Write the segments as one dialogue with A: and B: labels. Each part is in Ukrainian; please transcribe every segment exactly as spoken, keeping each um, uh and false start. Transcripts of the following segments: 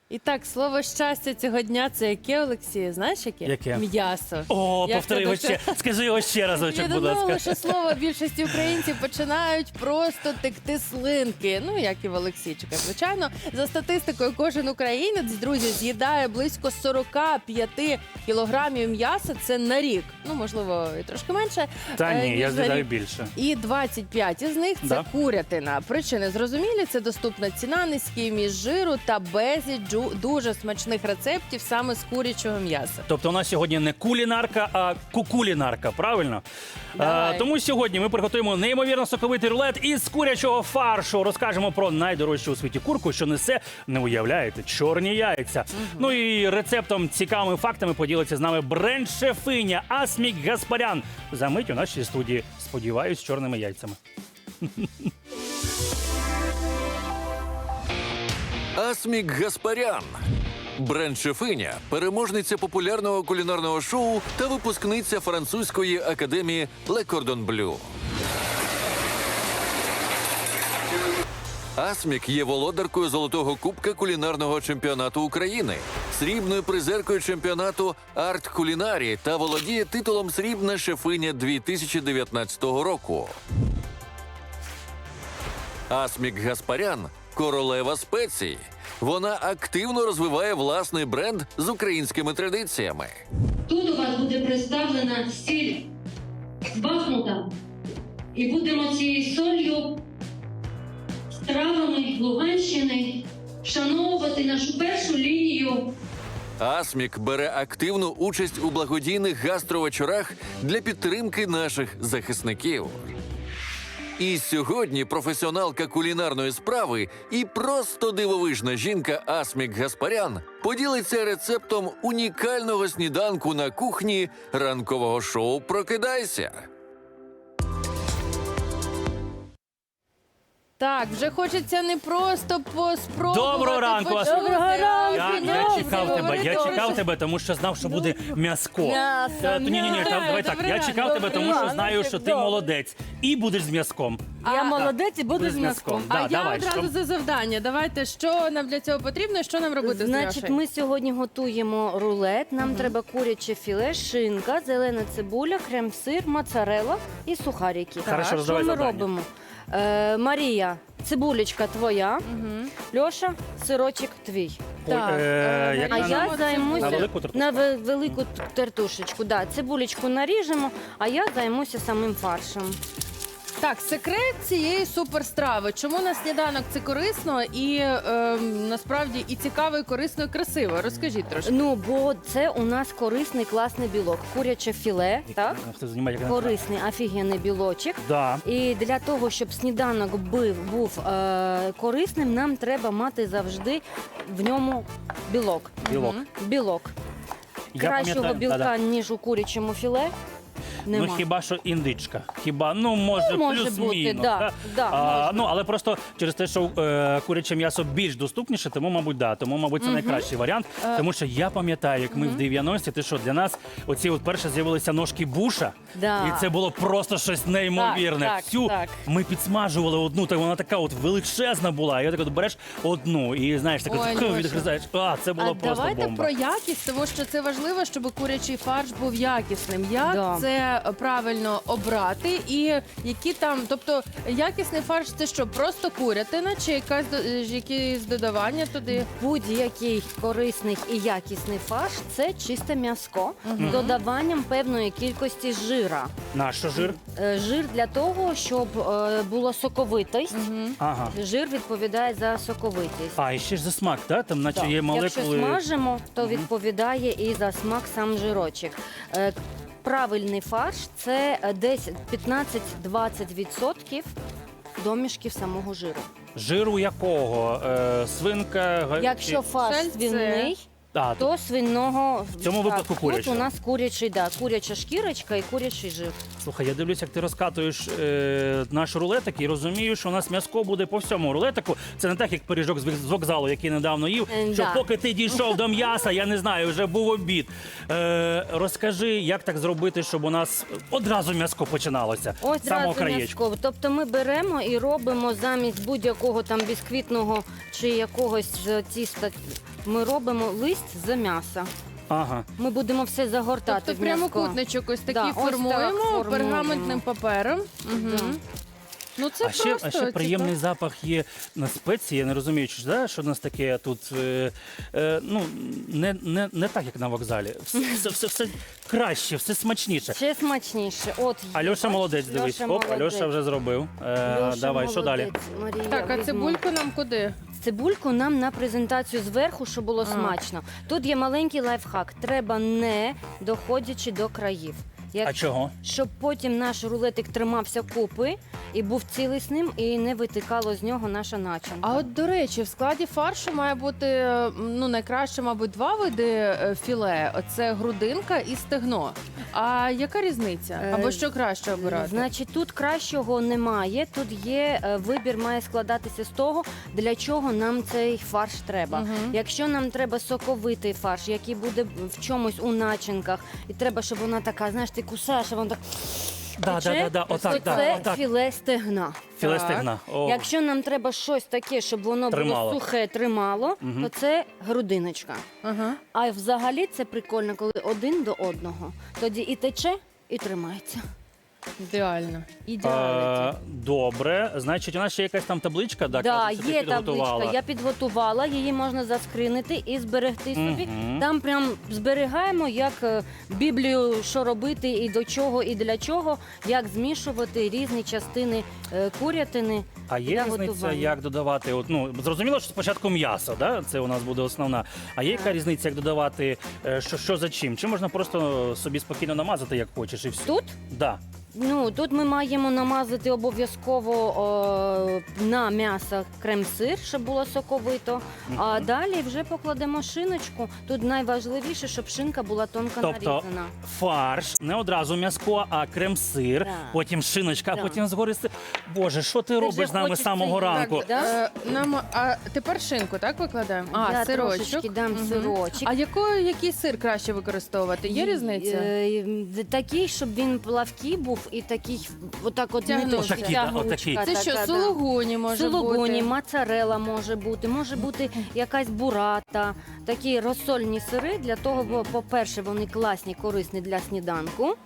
A: І так, слово щастя цього дня – це яке, Олексій? Знаєш яке?
B: Яке?
A: М'ясо.
B: О,
A: Як
B: повтори
A: це
B: його
A: дуже-
B: ще. Скажи його ще разочок,
A: Від
B: будь
A: одного
B: ласка.
A: лише слова більшості українців починають просто текти слинки. Ну, як і в Олексійчика, звичайно. За статистикою, кожен українець, друзі, з'їдає близько сорок п'ять кілограмів м'яса. Це на рік. Ну, можливо, і трошки менше.
B: Та
A: е,
B: ні,
A: ніж
B: я
A: за
B: з'їдаю
A: рік.
B: більше.
A: І двадцять п'ять із них це
B: Да.
A: курятина. Причини зрозумілі, це доступна ціна, низький вміст жиру та безліч джу- дуже смачних рецептів саме з курячого м'яса.
B: Тобто у нас сьогодні не кулінарка, а кукулінарка, правильно?
A: Давай.
B: А, тому сьогодні ми приготуємо неймовірно соковитий рулет із курячого фаршу. Розкажемо про найдорожчу у світі курку, що несе, не уявляєте, чорні яйця. Ну і рецептом, цікавими фактами поділиться з нами бренд-шефиня Асмік Гаспарян. За мить у нашій студії. Сподіваюсь, з чорними яйцями.
C: Асмік Гаспарян. Бренд-шефиня, переможниця популярного кулінарного шоу та випускниця французької академії Le Cordon Bleu. Асмік є володаркою золотого кубка кулінарного чемпіонату України, срібною призеркою чемпіонату Арт Кулінарі та володіє титулом «Срібна шефиня дві тисячі дев'ятнадцятого року. Асмік Гаспарян – королева спецій. Вона активно розвиває власний бренд з українськими традиціями.
D: Тут у вас буде представлена сіль з Бахмута. І будемо цією солью, з травами Луганщини вшановувати нашу першу лінію.
C: Асмік бере активну участь у благодійних гастровечорах для підтримки наших захисників. І сьогодні професіоналка кулінарної справи і просто дивовижна жінка Асмік Гаспарян поділиться рецептом унікального сніданку на кухні ранкового шоу «Прокидайся».
A: Так, вже хочеться не просто поспробувати.
B: Доброго ранку,
A: почути,
B: Асмік.
A: а
B: Я,
A: ось
B: я
A: відразу
B: чекав тебе,
A: говорити.
B: я чекав тебе, тому що знав, що буде м'яско.
A: М'ясо,
B: Е, Ні, ні, ні,
A: м'ясо.
B: давай так.
A: Добрий
B: Я
A: ранок,
B: чекав тебе,
A: добрий
B: тому що
A: ранок.
B: знаю, що ти
E: Добре.
B: молодець і будеш з м'язком.
E: Я
A: А,
E: молодець і буду
B: Будеш
E: з м'язком.
A: А
B: Да,
A: я
B: давай,
A: одразу
B: що?
A: за завдання. Давайте, що нам для цього потрібно і що нам робити з
E: Значить,
A: Льошею?
E: ми сьогодні готуємо рулет. Нам треба куряче філе, шинка, зелена цибуля, крем-сир, моцарелла і сухарики.
B: Хорошо,
E: Що
B: роздавай
E: ми
B: завдання.
E: робимо? Е, Марія, цибулечка твоя, Льоша, сирочок твій.
B: Ой,
A: Так,
B: е,
A: е,
B: як
E: А
B: на-
E: я
A: на
E: займуся
B: На велику тертушку?
E: на ве- велику тертушечку. Да, цибулечку наріжемо, а я займуся самим фаршем.
A: Так, секрет цієї суперстрави. Чому на сніданок це корисно і е, насправді і цікаво, і корисно, і красиво? Розкажіть трошки.
E: Ну, бо це у нас корисний класний білок. Куряче філе, так?
B: Хто знімає, як на-
E: Корисний, офігенний білочок.
B: Да.
E: І для того, щоб сніданок був, був е, корисним, нам треба мати завжди в ньому білок.
B: Білок.
E: Білок.
B: Я
E: Кращого
B: пам'ятаю-
E: білка,
B: да-да.
E: ніж у курячому філе, нема.
B: Ну хіба що індичка. Хіба, ну може,
E: Ну, може
B: плюс-мінус.
E: бути, да, да,
B: а,
E: може
B: ну, але просто через те, що е, куряче м'ясо більш доступніше, тому, мабуть, да. Тому, мабуть, це найкращий варіант.
E: Е.
B: Тому що я пам'ятаю, як ми в дев'яності, ти що, для нас оці от перше з'явилися ножки буша,
E: Да.
B: і це було просто щось неймовірне.
E: Так, так,
B: Всю
E: так.
B: ми підсмажували одну, так вона така от величезна була. І так от береш одну і знаєш, так
A: Ой,
B: от
A: Льоша.
B: відгризаєш. А, це було
A: А
B: просто
A: давайте
B: бомба.
A: про якість, тому що це важливо, щоб курячий фарш був якісним. Як
E: Да.
A: це правильно обрати? І які там, тобто якісний фарш це що? Просто курятина чи якась до- е, якісь додавання туди?
E: Будь-який корисний і якісний фарш це чисте м'яско з додаванням певної кількості жира.
B: Наш що, жир?
E: Е, Жир для того, щоб е, була соковитість.
B: Ага.
E: Жир відповідає за соковитість.
B: А, і ще ж за смак, так? Там наче
E: Так.
B: є
E: Якщо
B: молекули.
E: смажимо, то відповідає і за смак сам жирочок. Е, Правильний фарш це е, десь п'ятнадцять-двадцять відсотків домішків самого жиру.
B: Жиру якого? Е, свинка, га-
E: Якщо
B: чи-
E: фарш
A: Сальце.
E: свиний,
B: А,
E: то свиного.
B: В цьому випадку курячого.
E: Тут у нас курячий, да, куряча шкірочка і курячий жир.
B: Слухай, я дивлюсь, як ти розкатуєш е, наш рулетик і розумію, що у нас м'яско буде по всьому рулетику. Це не так, як пиріжок з з вокзалу, який недавно їв.
E: Е,
B: Що
E: да.
B: поки ти дійшов до м'яса, я не знаю, вже був обід. Е, розкажи, як так зробити, щоб у нас одразу м'яско починалося.
E: Ось
B: з самого
E: зразу
B: краєчку.
E: м'язко. Тобто ми беремо і робимо замість будь-якого там бісквітного чи якогось е, тіста, ми робимо лист з м'яса.
B: Ага.
E: Ми будемо все загортати
A: Тобто
E: в м'язко.
A: прямокутничок ось такий
E: Да, ось так
A: формуємо,
E: формуємо.
A: пергаментним папером. Угу.
E: Да.
A: Ну це
B: А ще,
A: просто
B: а ще приємний
A: цікаво.
B: запах є на спеції. Я не розумію, чи ж, да, що в нас таке тут е, е, ну, не, не, не так, як на вокзалі. Все, все, все, все краще, все смачніше.
E: Ще смачніше. От є,
B: Альоша
E: бачиш,
B: молодець, дивись.
E: Льоша
B: Оп,
E: молодець.
B: Альоша вже зробив. Е,
E: Льоша
B: давай, що далі?
E: молодець. Марія,
A: Так, а
E: візьму.
A: цибульку нам куди?
E: Цибульку нам на презентацію зверху, щоб було
A: А.
E: смачно. Тут є маленький лайфхак. Треба не доходячи до країв. Як...
B: А чого?
E: Щоб потім наш рулетик тримався купи і був цілісним, і не витикало з нього наша начинка.
A: А от, до речі, в складі фаршу має бути е, ну, найкраще, мабуть, два види е, філе. Оце грудинка і стегно. А яка різниця?
E: Е,
A: Або що краще обирати?
E: Значить, тут кращого немає. Тут є е, вибір, має складатися з того, для чого нам цей фарш треба.
A: Мгм.
E: Якщо нам треба соковитий фарш, який буде в чомусь у начинках, і треба, щоб вона така, знаєш, ти кусаєш, а вона так.
B: Да, да, да, да,
E: то
B: отак, да,
E: це
B: отак.
E: філе стегна.
B: Філе
A: Так.
B: стегна. О.
E: Якщо нам треба щось таке, щоб воно
B: Тримало.
E: було сухе, тримало,
B: Мгм.
E: то це грудиночка.
A: Ага.
E: А взагалі це прикольно, коли один до одного. Тоді і тече, і тримається.
A: Ідеально.
E: Ідеально.
B: Е, добре, значить, у нас ще якась там табличка, да,
E: Да,
B: кажуть, що ти
E: є
B: підготувала.
E: табличка. Я підготувала, її можна заскринити і зберегти собі.
B: Мгм.
E: Там прям зберігаємо, як е, Біблію, що робити і до чого, і для чого, як змішувати різні частини е, курятини.
B: А є
E: для
B: різниця,
E: готування.
B: як додавати? От, ну, зрозуміло, що спочатку м'ясо, да? Це у нас буде основна. А є яка
E: Так.
B: різниця, як додавати, е, що, що за чим? Чи можна просто собі спокійно намазати, як хочеш, і все?
E: Тут
B: Да.
E: Ну, тут ми маємо намазати обов'язково о, на м'ясо крем-сир, щоб було соковито. А далі вже покладемо шиночку. Тут найважливіше, щоб шинка була тонко
B: Тобто
E: нарізана.
B: фарш, не одразу м'язко, а крем-сир,
E: Да.
B: потім шиночка, а
E: Да.
B: потім згори сир. Боже, що ти,
E: Ти
B: робиш
E: вже
B: з нами з
E: хочеш
B: самого
E: це їсти,
B: ранку?
E: да?
A: Е, нам, а тепер шинку, так, викладаємо? А,
E: Я
A: сирочок.
E: трошечки дам
A: Мгм.
E: сирочок.
A: А якою, який сир краще використовувати? Є різниця?
E: Е, е, Такий, щоб він плавкий був, і такий, отак от не
A: Тягнучий.
E: дуже
B: Отакий, да, отакий.
E: тягнучка
A: Це що,
E: така, да.
A: сулугуні може
E: Сулугуні,
A: бути?
E: моцарелла може бути, може бути якась бурата, такі розсольні сири. Для того, бо, по-перше, вони класні, корисні для сніданку.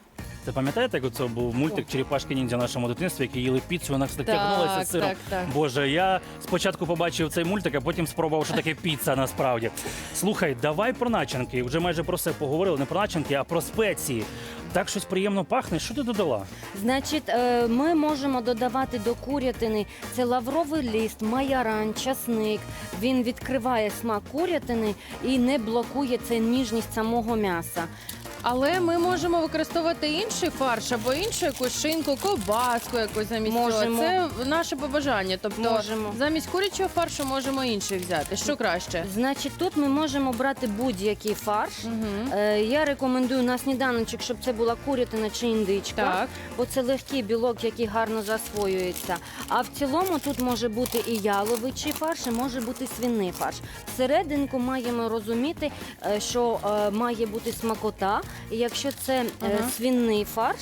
B: Це пам'ятаєте, як це був мультик Черепашки ніндзя в нашому дитинстві, які їли піцу, вона так тягнулася
A: Так,
B: з сиром.
A: так, так.
B: Боже, я спочатку побачив цей мультик, а потім спробував, що таке піца насправді. Слухай, давай про начинки. Вже майже про все поговорили. Не про начинки, а про спеції. Так щось приємно пахне. Що ти додала?
E: Значить, е, ми можемо додавати до курятини це лавровий лист, майоран, часник. Він відкриває смак курятини і не блокує це ніжність самого м'яса.
A: Але ми можемо використовувати інший фарш або іншу якусь шинку, ковбаску якусь замість
E: Можемо.
A: цього. Це наше побажання. Тобто
E: Можемо.
A: замість курячого фаршу можемо інший взяти. Що краще?
E: Значить, тут ми можемо брати будь-який фарш.
A: Угу.
E: Е, Я рекомендую на сніданочок, щоб це була курятина чи індичка,
A: Так.
E: бо це легкий білок, який гарно засвоюється. А в цілому тут може бути і яловичий фарш, і може бути свиний фарш. Всерединку маємо розуміти, е, що е, має бути смакота. І якщо це е,
A: Ага.
E: свиний фарш,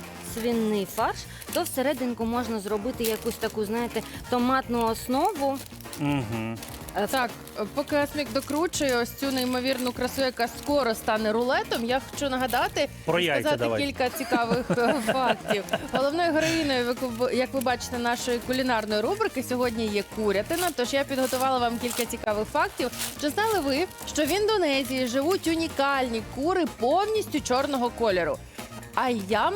E: свиний фарш, то всерединку можна зробити якусь таку, знаєте, томатну основу.
B: Угу.
E: Е,
A: Так, поки Асмік докручує ось цю неймовірну красу, яка скоро стане рулетом, я хочу нагадати
B: Про
A: і
B: яйця
A: сказати
B: давай.
A: кілька цікавих е, фактів. Головною героїною, як ви- як ви бачите, нашої кулінарної рубрики сьогодні є курятина. Тож я підготувала вам кілька цікавих фактів. Чи знали ви, що в Індонезії живуть унікальні кури повністю чорного кольору? Айям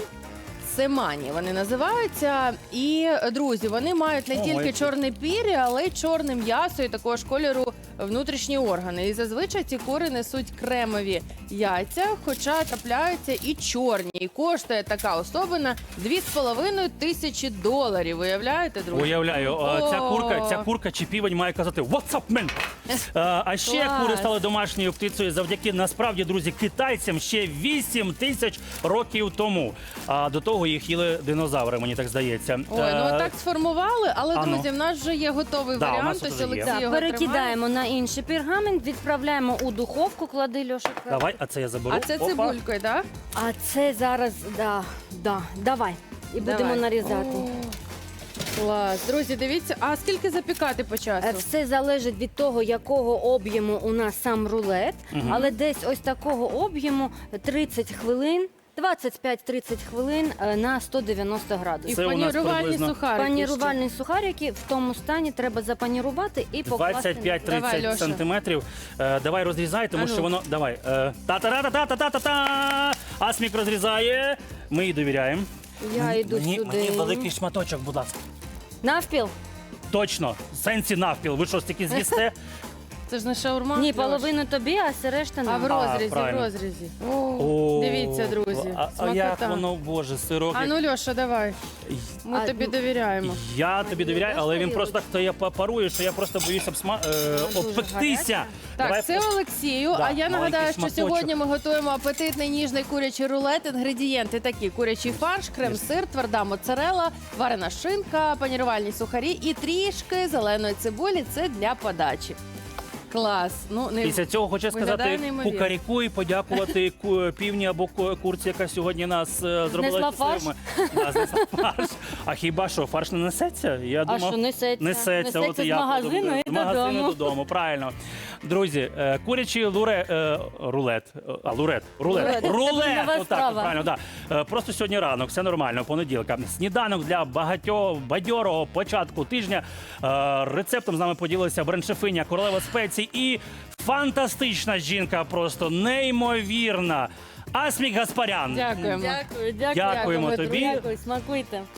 A: семані вони називаються. І, друзі, вони мають не
B: Ого,
A: тільки
B: які.
A: чорне пір'я, але й чорне м'ясо і також кольору внутрішні органи. І зазвичай ці кури несуть кремові яйця, хоча трапляються і чорні. І коштує така особина дві з половиною тисячі доларів. Уявляєте, друзі?
B: Уявляю, а, ця
A: О.
B: курка, ця курка чи півень має казати «What's up, man?» А, а ще
A: Клас.
B: кури стали домашньою птицею завдяки, насправді, друзі, китайцям ще вісім тисяч років тому. А до того їх їли динозаври, мені так здається.
A: Ой, ну
B: Е,
A: отак сформували, але,
B: а ну.
A: друзі, в нас вже є готовий
B: Да, у
A: варіант,
B: нас
A: ось
B: вже є.
A: Олексій
E: Так,
A: його тримає.
E: перекидаємо на інший пергамент, відправляємо у духовку, клади Льоша.
B: Давай, а це я заберу.
A: А це
B: Опа.
A: цибулькою, так?
E: А це зараз, да, да, давай. І будемо
A: Давай.
E: нарізати.
A: О, клас. Друзі, дивіться, а скільки запікати по часу?
E: Е, Все залежить від того, якого об'єму у нас сам рулет, але десь ось такого об'єму тридцять хвилин, двадцять п'ять тридцять хвилин е, на сто дев'яносто
A: І
E: градусів.
B: Це у нас
A: панірувальні
B: приблизно
A: сухарики.
E: Панірувальні сухарики в тому стані треба запанірувати і покласти.
B: двадцять п'ять
A: Давай,
B: тридцять
A: Льоша.
B: сантиметрів. Е, давай розрізай, тому
A: А ну.
B: що воно. Давай. Е, Та-та-та-та-та-та-та! Асмік розрізає. Ми їй довіряємо.
E: Я йду
B: мені,
E: сюди.
B: мені великий шматочок, будь ласка.
E: Навпіл?
B: Точно. В сенсі навпіл. Ви що ж таки з'їсте?
A: Це ж не шаурма.
E: Ні,
A: Льош.
E: половину тобі, а все решта
A: А в
E: нам.
A: розрізі, в
B: правильно.
A: розрізі.
B: О,
A: Дивіться, друзі,
B: А, а як
A: смакота.
B: воно, боже, сирок.
A: А ну, Льоша, давай. Ми
E: А,
A: тобі
E: ну,
A: довіряємо.
B: Я тобі довіряю, але він просто так стає парує, що я просто боюсь обсма... е,
E: дуже
B: обпектися.
E: гаряча.
A: Так,
B: Давай
A: це Олексію.
B: Да,
A: а я нагадаю,
B: маленький
A: що
B: шматочок.
A: сьогодні ми готуємо апетитний ніжний курячий рулет. Інгредієнти такі: курячий фарш, крем-сир, тверда моцарела, варена шинка, панірувальні сухарі і трішки зеленої цибулі. Це для подачі. Клас. Ну, не...
B: Після цього хочу
A: Виглядає
B: сказати
A: неймовірно.
B: кукаріку і подякувати ку- півні або ку- курці, яка сьогодні нас е, зробила.
E: Знесла
B: щасливими. Да, знесла фарш. А хіба що, фарш не несеться? Я
E: А
B: думав,
E: що, несеться?
B: Несеться, от
E: Несеться
B: і
E: з
B: я
E: магазину
B: подумав.
E: і
B: З магазину
E: додому.
B: додому, правильно. Друзі, е, курячий луре, е, рулет, е, а лурет, рулет,
E: Рулет. Це
B: рулет,
E: нова
B: отак,
E: страва.
B: правильно, да. Е, Просто сьогодні ранок, все нормально, понеділка. Сніданок для багатьох бадьорого початку тижня. Е, Рецептом з нами поділилася бренд-шефиня, королева спецій і фантастична жінка, просто неймовірна. Асмік Гаспарян.
A: Дякуємо.
E: Дякую, дякую.
B: Дякуємо
A: Дякуємо,
B: тобі.
E: Дякую, смакуйте.